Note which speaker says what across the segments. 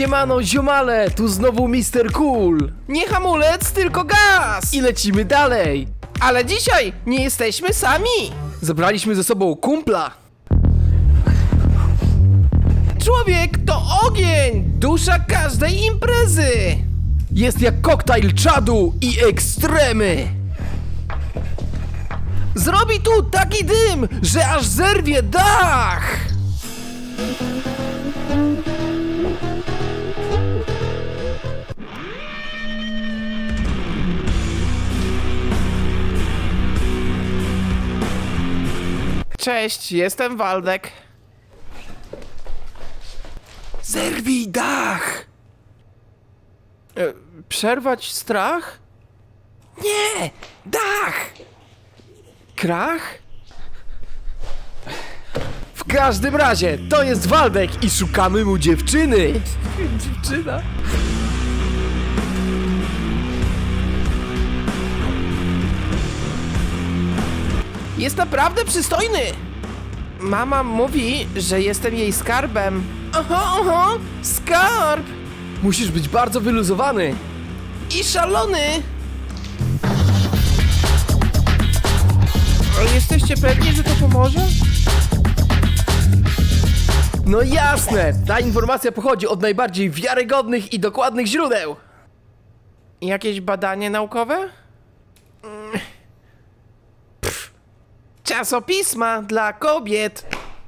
Speaker 1: Siemano ziomale, tu znowu Mr. Cool.
Speaker 2: Nie hamulec, tylko gaz!
Speaker 1: I lecimy dalej.
Speaker 2: Ale dzisiaj nie jesteśmy sami!
Speaker 1: Zabraliśmy ze sobą kumpla.
Speaker 2: Człowiek to ogień! Dusza każdej imprezy!
Speaker 1: Jest jak koktajl czadu i ekstremy.
Speaker 2: Zrobi tu taki dym, że aż zerwie dach! Cześć, jestem Waldek.
Speaker 1: Zerwij dach.
Speaker 2: Przerwać strach?
Speaker 1: Nie, dach.
Speaker 2: Krach?
Speaker 1: W każdym razie, to jest Waldek i szukamy mu dziewczyny.
Speaker 2: Dziewczyna? Jest naprawdę przystojny! Mama mówi, że jestem jej skarbem. Oho, skarb!
Speaker 1: Musisz być bardzo wyluzowany.
Speaker 2: I szalony! A jesteście pewni, że to pomoże?
Speaker 1: No jasne, ta informacja pochodzi od najbardziej wiarygodnych i dokładnych źródeł.
Speaker 2: Jakieś badanie naukowe? Czasopisma dla kobiet.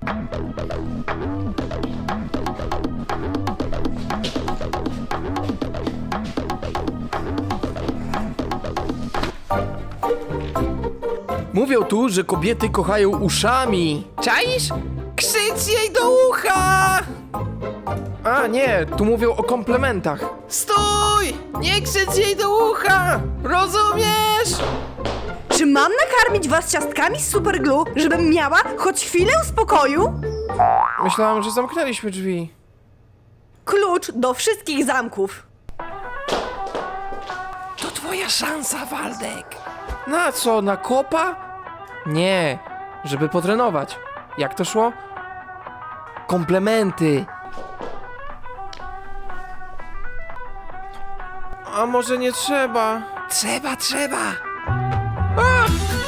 Speaker 1: Mówią tu, że kobiety kochają uszami.
Speaker 2: Czaisz? Krzycz jej do ucha!
Speaker 1: A nie, tu mówią o komplementach.
Speaker 2: Stój! Nie krzycz jej do ucha! Rozumiesz?
Speaker 3: Czy mam nakarmić was ciastkami z superglue, żebym miała choć chwilę spokoju?
Speaker 2: Myślałam, że zamknęliśmy drzwi.
Speaker 3: Klucz do wszystkich zamków.
Speaker 1: To twoja szansa, Waldek.
Speaker 2: Na co, na kopa?
Speaker 1: Nie, żeby potrenować. Jak to szło? Komplementy.
Speaker 2: A może nie trzeba?
Speaker 1: Trzeba.
Speaker 2: A!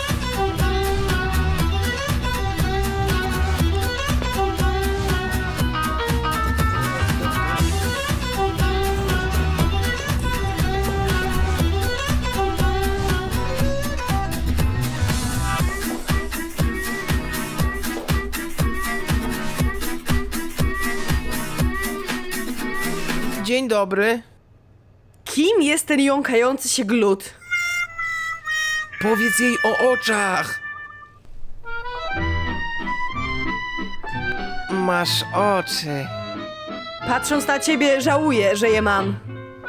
Speaker 2: Dzień dobry.
Speaker 3: Kim jest ten jąkający się glut?
Speaker 1: Powiedz jej o oczach.
Speaker 2: Masz oczy.
Speaker 3: Patrząc na ciebie, żałuję, że je mam.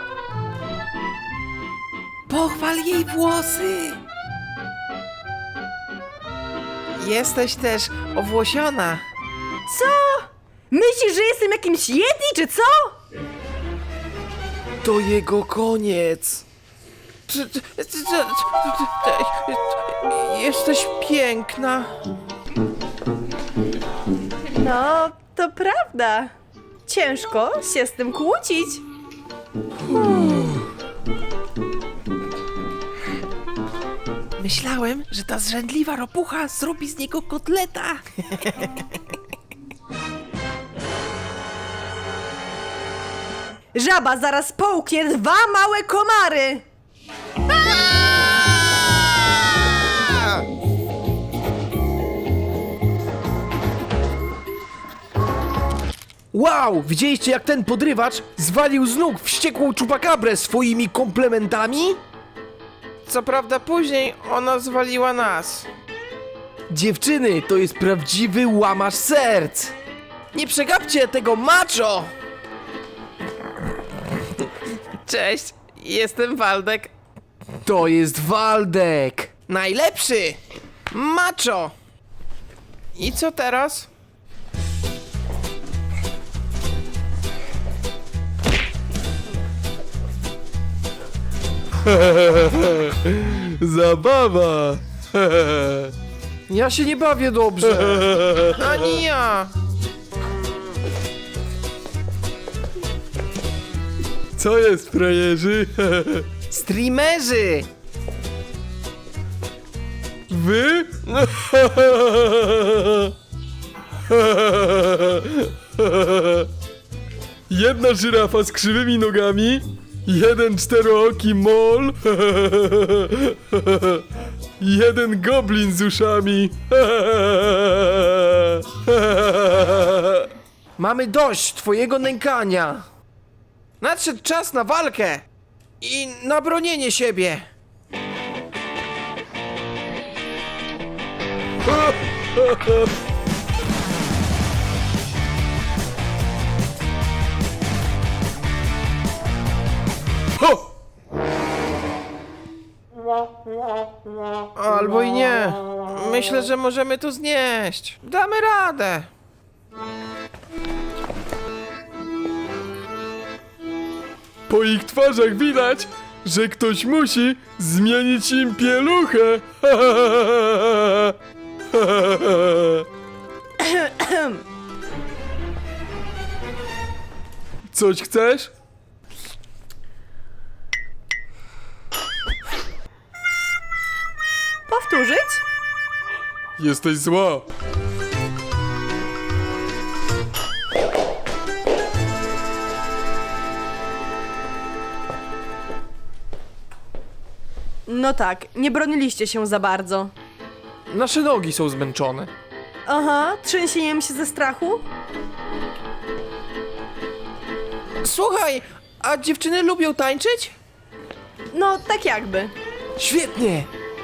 Speaker 2: Pochwal jej włosy. Jesteś też owłosiona.
Speaker 3: Co? Myślisz, że jestem jakimś Yeti, czy co?
Speaker 1: To jego koniec.
Speaker 2: Jesteś piękna.
Speaker 3: No, to prawda. Ciężko się z tym kłócić.
Speaker 2: Myślałem, że ta zrzędliwa ropucha zrobi z niego kotleta.
Speaker 3: Żaba zaraz połknie 2 małe komary.
Speaker 1: Wow, widzieliście jak ten podrywacz zwalił z nóg wściekłą czupakabrę swoimi komplementami?
Speaker 2: Co prawda później ona zwaliła nas.
Speaker 1: Dziewczyny, to jest prawdziwy łamacz serc.
Speaker 2: Nie przegapcie tego macho! Cześć, jestem Waldek.
Speaker 1: To jest Waldek.
Speaker 2: Najlepszy! Macho! I co teraz?
Speaker 1: Zabawa. Ja się nie bawię dobrze.
Speaker 2: Ani ja!
Speaker 1: Co jest, frajerzy?
Speaker 2: Streamerzy!
Speaker 1: Wy? Jedna żyrafa z krzywymi nogami, jeden czterooki mol, jeden goblin z uszami.
Speaker 2: Mamy dość twojego nękania. Nadszedł czas na walkę i na bronienie siebie.
Speaker 1: Ho!
Speaker 2: Albo i nie. Myślę, że możemy to znieść. Damy radę.
Speaker 1: Po ich twarzach widać, że ktoś musi zmienić im pieluchę. Coś chcesz?
Speaker 3: Powtórzyć?
Speaker 1: Jesteś zła.
Speaker 3: No tak, nie broniliście się za bardzo.
Speaker 2: Nasze nogi są zmęczone.
Speaker 3: Aha, trzęsieniem się ze strachu?
Speaker 2: Słuchaj, a dziewczyny lubią tańczyć?
Speaker 3: No, tak jakby.
Speaker 2: Świetnie!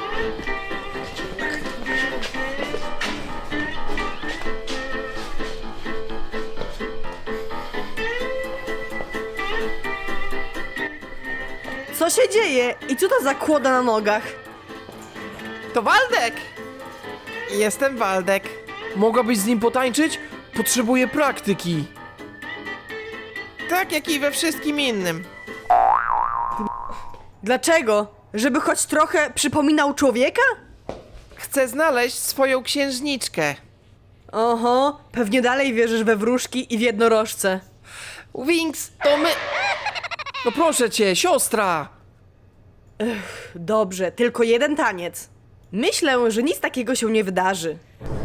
Speaker 3: Co się dzieje? I co to za kłoda na nogach?
Speaker 2: To Waldek! Jestem Waldek. Mogłabyś z nim potańczyć? Potrzebuję praktyki. Tak jak i we wszystkim innym.
Speaker 3: Dlaczego? Żeby choć trochę przypominał człowieka?
Speaker 2: Chcę znaleźć swoją księżniczkę.
Speaker 3: Oho, pewnie dalej wierzysz we wróżki i w jednorożce.
Speaker 2: Wings, to my... No proszę cię, siostra!
Speaker 3: Dobrze, tylko jeden taniec. Myślę, że nic takiego się nie wydarzy.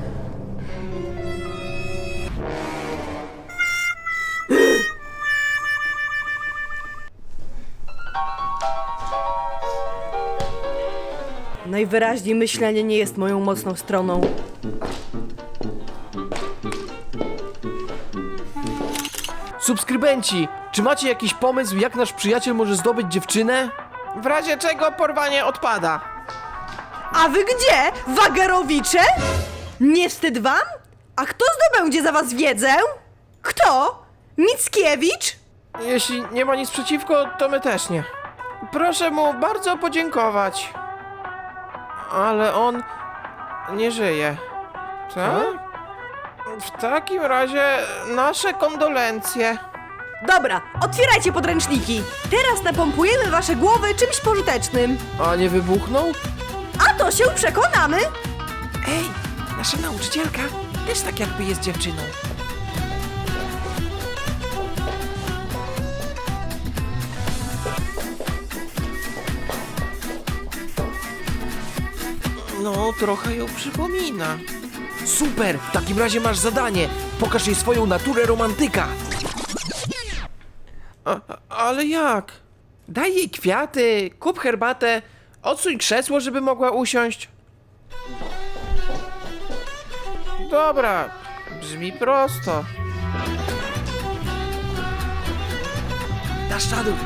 Speaker 3: Najwyraźniej myślenie nie jest moją mocną stroną.
Speaker 2: Subskrybenci, czy macie jakiś pomysł, jak nasz przyjaciel może zdobyć dziewczynę? W razie czego porwanie odpada.
Speaker 3: A wy gdzie, wagerowicze? Nie wstyd wam? A kto zdobędzie za was wiedzę? Kto? Mickiewicz?
Speaker 2: Jeśli nie ma nic przeciwko, to my też nie. Proszę mu bardzo podziękować. Ale on nie żyje. Tak? W takim razie nasze kondolencje.
Speaker 3: Dobra, otwierajcie podręczniki. Teraz napompujemy wasze głowy czymś pożytecznym.
Speaker 2: A nie wybuchnął?
Speaker 3: A to się przekonamy.
Speaker 2: Ej, nasza nauczycielka też tak jakby jest dziewczyną. No, trochę ją przypomina. Super! W takim razie masz zadanie. Pokaż jej swoją naturę romantyka. Ale jak? Daj jej kwiaty, kup herbatę, odsuń krzesło, żeby mogła usiąść. Dobra, brzmi prosto. Dasz czadu.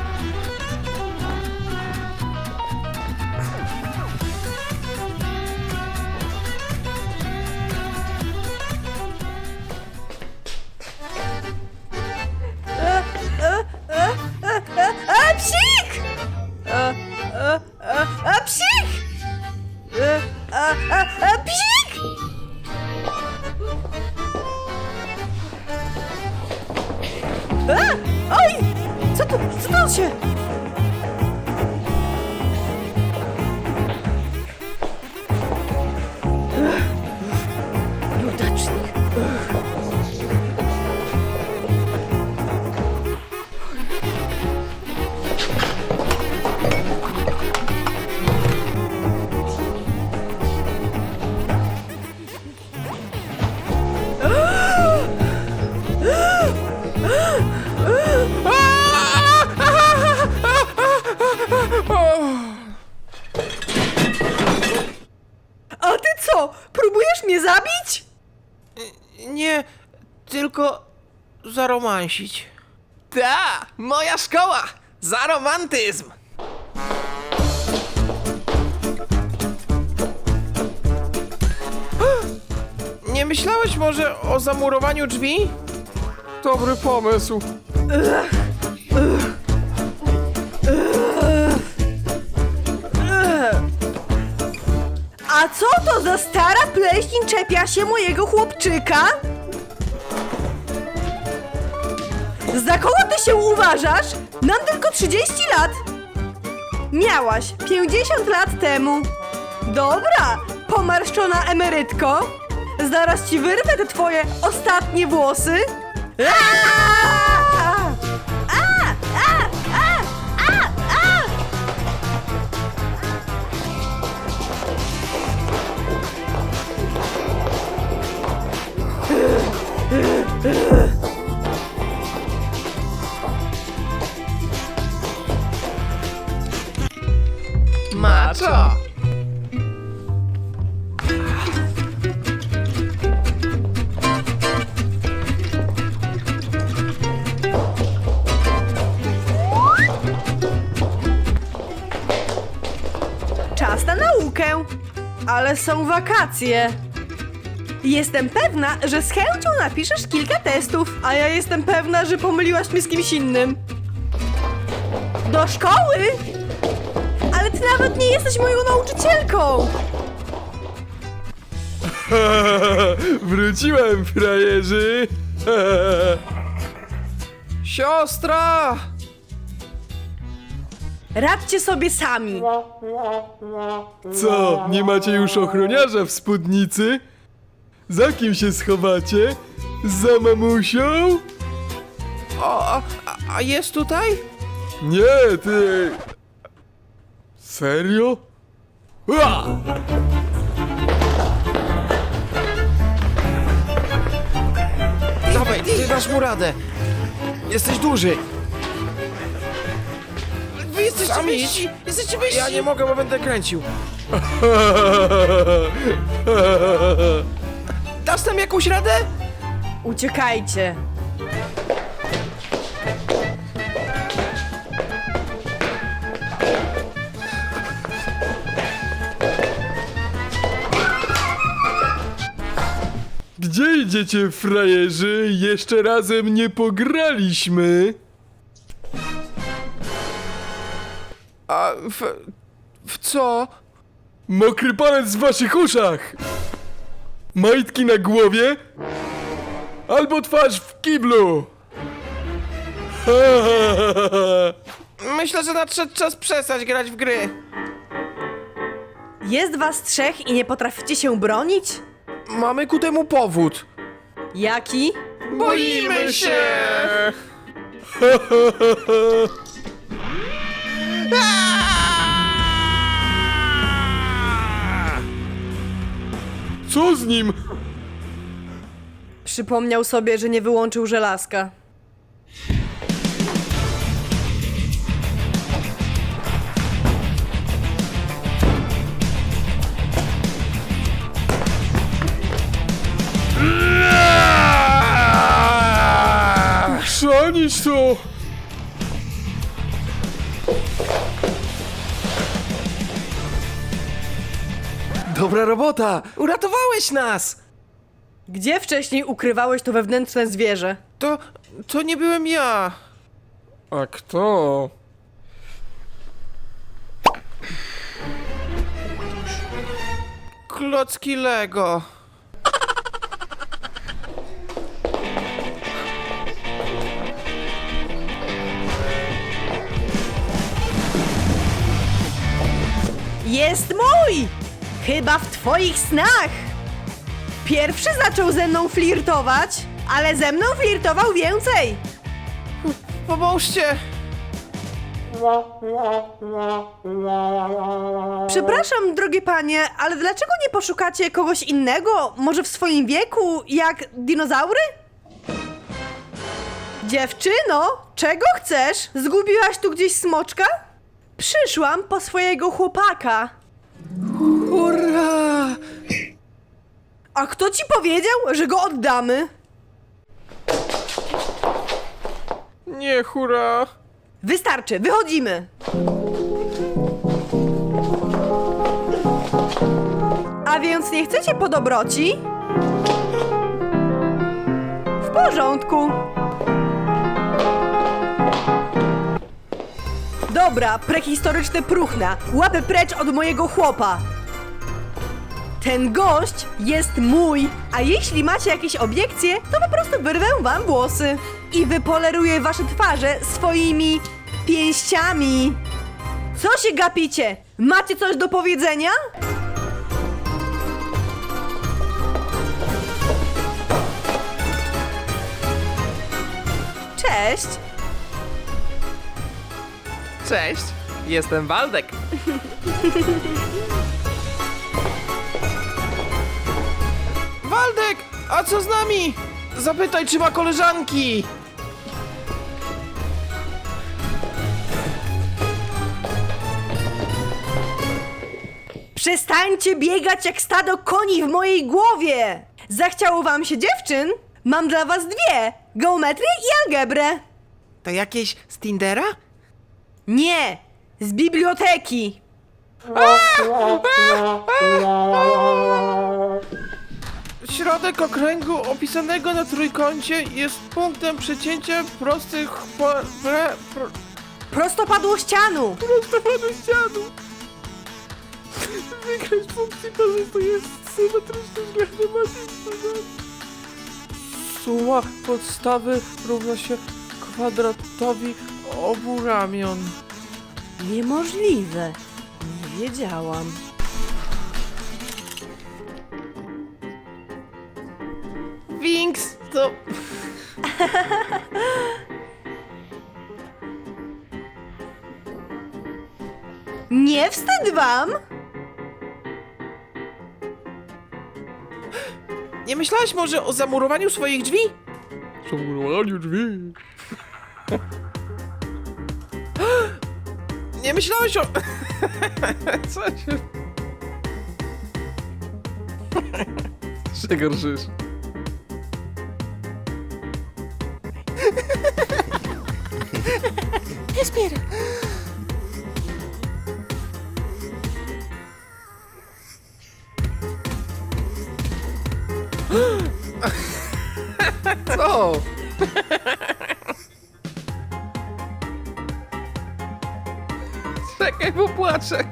Speaker 3: Psik! Psik! Psik! Oj! Co to się... Nieudacznik. Co, próbujesz mnie zabić?
Speaker 2: Nie, tylko zaromansić. Ta, moja szkoła! Za romantyzm! Nie myślałeś może o zamurowaniu drzwi?
Speaker 1: Dobry pomysł.
Speaker 3: A co to za stara pleśń czepia się mojego chłopczyka? Za kogo ty się uważasz? Mam tylko 30 lat. Miałaś 50 lat temu. Dobra, pomarszczona emerytko. Zaraz ci wyrwę te twoje ostatnie włosy. Aaaa!
Speaker 2: Maczo!
Speaker 3: Czas na naukę. Ale są wakacje. Jestem pewna, że z chęcią napiszesz kilka testów, a ja jestem pewna, że pomyliłaś mnie z kimś innym. Do szkoły? Ale ty nawet nie jesteś moją nauczycielką.
Speaker 1: Wróciłem, frajerzy.
Speaker 2: Siostra!
Speaker 3: Radźcie sobie sami.
Speaker 1: Co, nie macie już ochroniarza w spódnicy? Za kim się schowacie? Za mamusią?
Speaker 2: A jest tutaj?
Speaker 1: Nie, ty... Serio? Ua!
Speaker 2: Dawaj, ty dasz mu radę. Jesteś duży. Wy jesteście wyżsi! Jesteście wyżsi! Ja nie mogę, bo będę kręcił. Dasz tam jakąś radę?
Speaker 3: Uciekajcie.
Speaker 1: Gdzie idziecie, frajerzy? Jeszcze razem nie pograliśmy.
Speaker 2: A w co?
Speaker 1: Mokry palec w waszych uszach! Majtki na głowie? Albo twarz w kiblu!
Speaker 2: Myślę, że nadszedł czas przestać grać w gry.
Speaker 3: Jest was trzech i nie potraficie się bronić?
Speaker 2: Mamy ku temu powód.
Speaker 3: Jaki?
Speaker 2: Boimy się!
Speaker 1: Co z nim?
Speaker 3: Przypomniał sobie, że nie wyłączył żelazka.
Speaker 1: Chrzanić to!
Speaker 2: Dobra robota! Uratowałeś nas!
Speaker 3: Gdzie wcześniej ukrywałeś to wewnętrzne zwierzę?
Speaker 2: To nie byłem ja.
Speaker 1: A kto?
Speaker 2: Klocki Lego.
Speaker 3: Jest mój! Chyba w twoich snach! Pierwszy zaczął ze mną flirtować, ale ze mną flirtował więcej!
Speaker 2: Pomóżcie!
Speaker 3: Przepraszam, drogie panie, ale dlaczego nie poszukacie kogoś innego, może w swoim wieku, jak dinozaury? Dziewczyno, czego chcesz? Zgubiłaś tu gdzieś smoczka? Przyszłam po swojego chłopaka.
Speaker 2: Hurra!
Speaker 3: A kto ci powiedział, że go oddamy?
Speaker 2: Nie, hura.
Speaker 3: Wystarczy, wychodzimy. A więc nie chcecie po dobroci? W porządku. Dobra, prehistoryczne próchna. Łapy precz od mojego chłopa. Ten gość jest mój, a jeśli macie jakieś obiekcje, to po prostu wyrwę wam włosy i wypoleruję wasze twarze swoimi pięściami. Co się gapicie? Macie coś do powiedzenia? Cześć.
Speaker 2: Cześć, jestem Waldek. Waldek, a co z nami? Zapytaj, czy ma koleżanki.
Speaker 3: Przestańcie biegać jak stado koni w mojej głowie! Zachciało wam się dziewczyn? Mam dla was dwie! Geometrię i algebrę!
Speaker 2: To jakieś z Tindera?
Speaker 3: Nie! Z biblioteki!
Speaker 2: Środek okręgu opisanego na trójkącie jest punktem przecięcia prostych
Speaker 3: Prostopadłościanu!
Speaker 2: prostopadu ścianu. Wykres funkcji to jest symetryczny względem masy. Suma podstawy równa się kwadratowi obu ramion.
Speaker 3: Niemożliwe. Nie wiedziałam.
Speaker 2: Winks to...
Speaker 3: Nie wstyd wam?
Speaker 2: Nie myślałaś może o zamurowaniu swoich drzwi?
Speaker 1: Zamurowaniu drzwi.
Speaker 2: Nie myślałeś o... Co się...
Speaker 1: Się gorszysz.
Speaker 2: Respira. Co? Czekaj, bo płaczę.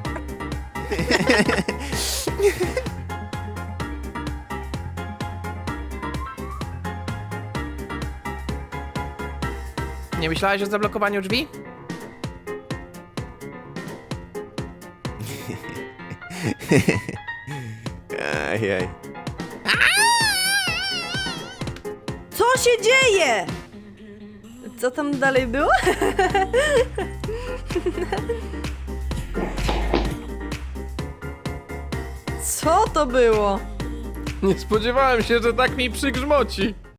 Speaker 2: Nie myślałeś o zablokowaniu drzwi?
Speaker 4: Ajaj.
Speaker 3: Co się dzieje? Co tam dalej było? Co to było?
Speaker 1: Nie spodziewałem się, że tak mi przygrzmoci.